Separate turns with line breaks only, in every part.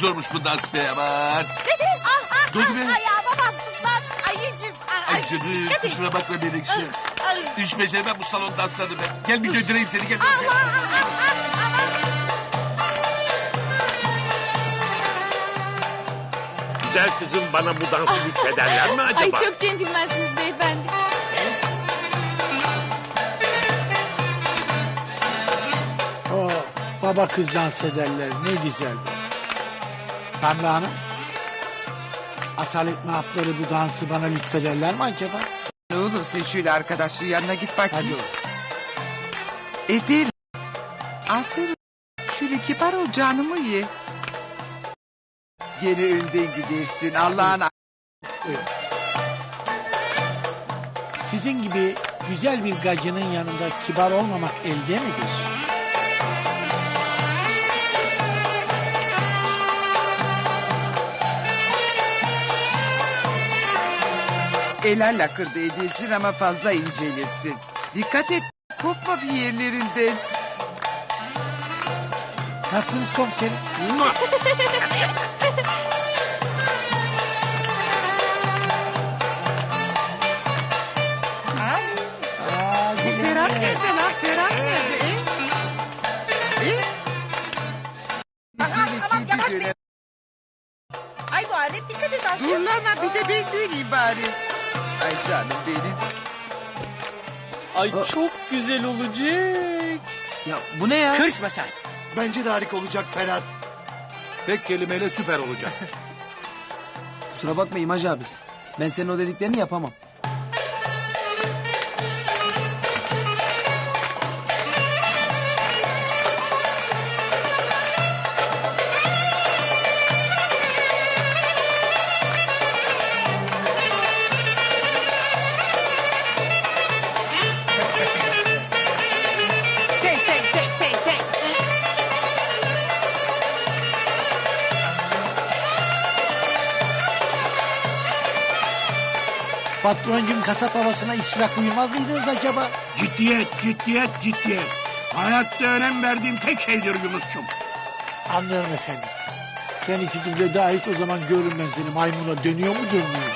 zormuş bu dans be aman. Dur be.
Ayağıma bastın lan ayıcım.
Ay canım kusura bakma Menekşe. Hiç beceremem bu salon danslarını be. Gel bir götüreyim seni gel.
Güzel kızım bana bu dansı lütfederler mi acaba?
Ay çok centilmensiniz beyefendi.
Baba kız dans ederler ne güzel be. Pembe Hanım. Asalet mahapları bu dansı bana lütfederler mi acaba?
Ne olur sen şöyle arkadaşlığı yanına git bakayım.
Hadi o.
Edil. Aferin. Şöyle kibar ol canımı ye. Gene önden gidersin Allah'ın.
Sizin gibi güzel bir gacının yanında kibar olmamak elde midir?
Eller lakırdı edilsin ama fazla incelirsin. Dikkat et kopma bir yerlerinden.
Nasılsınız komiserim?
Bu Ferhat nerede lan? Ferhat nerede?
Aman yavaş be. Ay bu alet dikkat et
Dur
azıcık.
lan ha, bir de ben döneyim bari. Ay canım benim.
Ay çok güzel olacak.
Ya bu ne ya?
Kırışma sen.
Bence de harika olacak Ferhat. Tek kelimeyle süper olacak.
Kusura bakma İmaj abi. Ben senin o dediklerini yapamam.
Patroncum kasap havasına iştirak uyumaz mıydınız acaba?
Ciddiyet, ciddiyet, ciddiyet. Hayatta önem verdiğim tek şeydir Yunus'cum.
Anlıyorum efendim. Sen iki duble daha hiç o zaman görürüm ben seni maymuna dönüyor mu dönmüyor mu?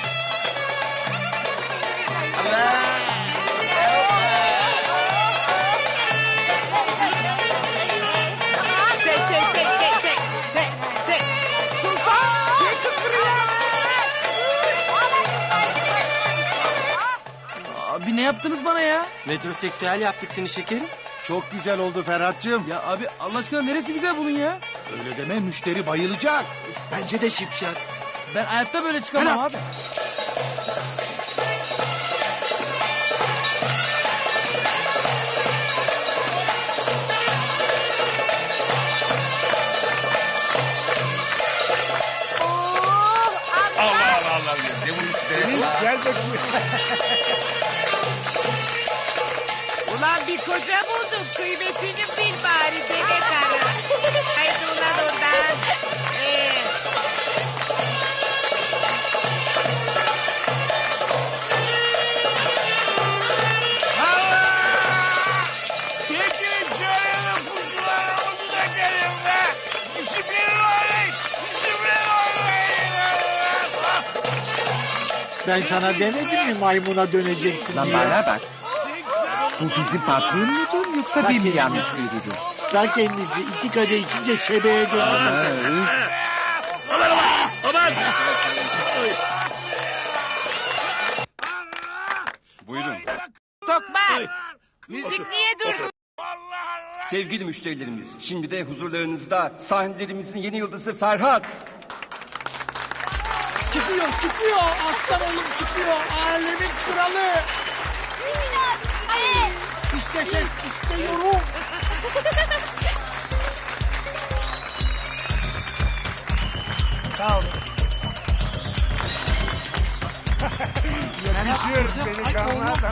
Sultan gel kız buraya.
Abi ne yaptınız bana ya? Metroseksüel yaptık seni şekerim.
Çok güzel oldu Ferhat'cığım.
Ya abi Allah aşkına neresi güzel bunun ya?
Öyle deme müşteri bayılacak. Bence de şipşak.
Ben hayatta böyle çıkamam abi.
Allah Allah Allah. Ne bu?
Gel bakayım.
Ulan bir koca buldum. Kıymetini bil bari deve karı. Haydi ulan oradan.
Çekil canını kuzularımızı da gelin be. Bismillahirrahmanirrahim.
Ben sana demedim mi maymuna döneceksin
Lan
diye?
bana bak. Bu bizim patron mudur yoksa bir mi yanlış görüyorum?
Ta kendisi iki kadeh içince şebeğe döndü.
Aman.
Buyurun.
Tokmak. Müzik niye durdu?
Sevgili müşterilerimiz, şimdi de huzurlarınızda sahnelerimizin yeni yıldızı Ferhat.
Çıkıyor aslan oğlum çıkıyor alemin kralı. İşte ses işte yorum.
Sağ ol.
Yakışıyor beni kanına da.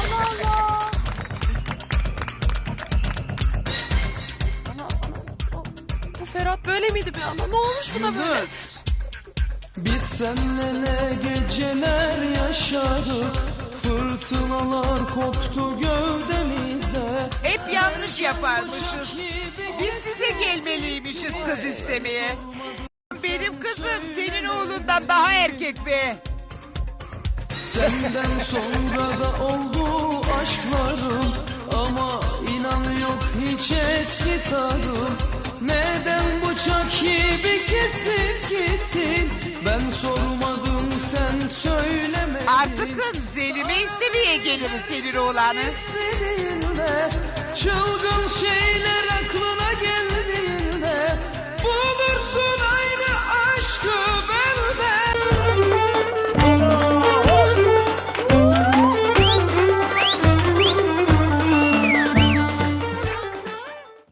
Bu Ferhat böyle miydi be ana? Ne olmuş buna böyle?
Biz seninle ne geceler yaşadık. Fırtınalar koptu gövdemizde.
Hep yanlış yaparmışız. Biz size gelmeliymişiz kız istemeye. benim kızım senin oğlundan daha erkek be.
Senden sonra da oldu aşklarım, ama inan yok hiç eski tadım. Neden bıçak gibi kesip gittin? Ben sormadım, sen söylemedin.
Artık Zelim'e istemeye geliriz senin oğlanı.
İstediğinle çılgın şeyler aklına